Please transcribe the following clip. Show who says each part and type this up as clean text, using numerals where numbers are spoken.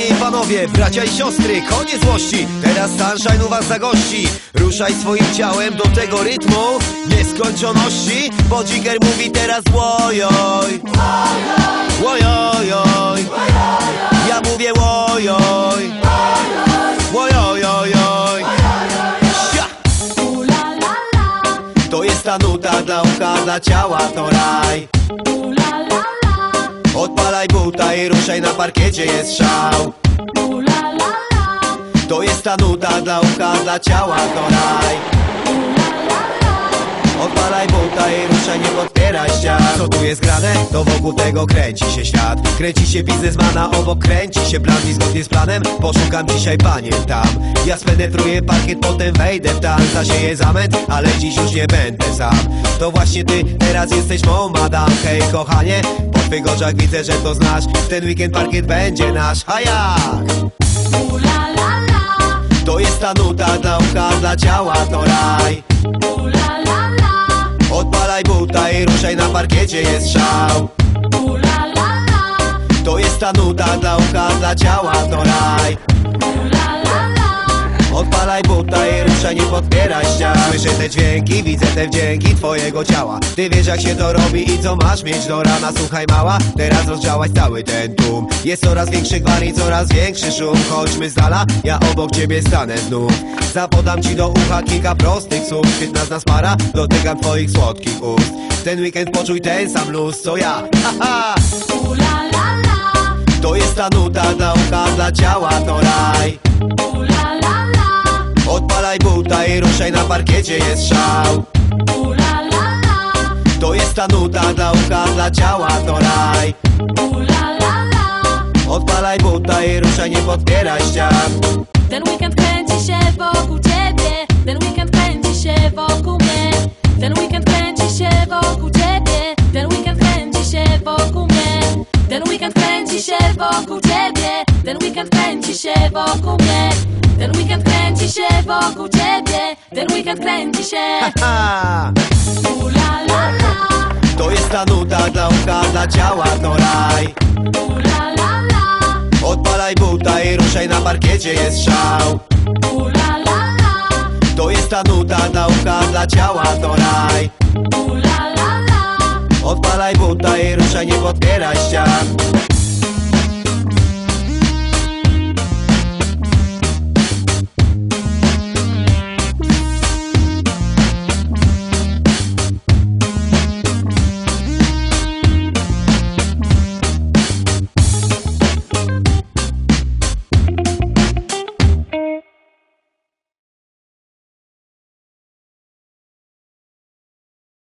Speaker 1: Panie i panowie, bracia i siostry, koniec złości. Teraz Sunshine u was zagości. Ruszaj swoim ciałem do tego rytmu nieskończoności, bo Jigger mówi teraz łojoj, łojojoj. Ja mówię łojoj, łojojoj. To jest ta nuta dla ucha, dla ciała to raj. Odpalaj buta i ruszaj, na parkiecie jest szał. To jest ta nuta dla ucha, dla ciała to raj. Odpalaj buta i ruszaj, nie podpieraj ścian. Co tu jest grane? To wokół tego kręci się świat. Kręci się biznesmana, obok kręci się plan. I zgodnie z planem poszukam dzisiaj panien tam. Ja spenetruję parkiet, potem wejdę w tam. Zasieję zamęt, ale dziś już nie będę sam. To właśnie ty teraz jesteś mą madam. Hej kochanie, po twych oczach widzę, że to znasz. W ten weekend parkiet będzie nasz. A jak? To jest ta nuta dla ucha, dla ciała to raj. Odpalaj buta i ruszaj, na parkiecie jest szał. To jest ta nuta dla ucha, dla ciała to raj. Odpalaj buta i ruszaj, nie podpieraj ścian. Słyszę te dźwięki, widzę te wdzięki twojego ciała. Ty wiesz jak się to robi i co masz mieć do rana. Słuchaj mała, teraz rozdziałaś cały ten tłum. Jest coraz większy gwar i coraz większy szum. Chodźmy z dala, ja obok ciebie stanę znów. Zapodam ci do ucha kilka prostych słów. Świetna z nas para, dotykam twoich słodkich ust. W ten weekend poczuj ten sam luz co ja. Haha. To jest ta nuta dla ucha, dla ciała to raj. Odpalaj buta i ruszaj, na parkiecie jest szał. To jest ta nuta dla ucha, dla ciała to raj. Odpalaj buta i ruszaj, nie podpieraj ścian.
Speaker 2: Ten weekend kręci się wokół ciebie. Ten weekend kręci się wokół mnie. Ten weekend kręci się wokół ciebie. Ten weekend kręci się wokół mnie. Ten weekend kręci się wokół ciebie. Ten weekend kręci się wokół mnie. Ten weekend kręci się wokół ciebie. Ten weekend kręci się.
Speaker 1: To jest ta nuta dla ucha, dla ciała to raj. Odpalaj buta i ruszaj, na parkiecie jest szał. To jest ta nuta dla ucha, dla ciała to raj. Odpalaj buta i ruszaj, nie podpieraj ścian.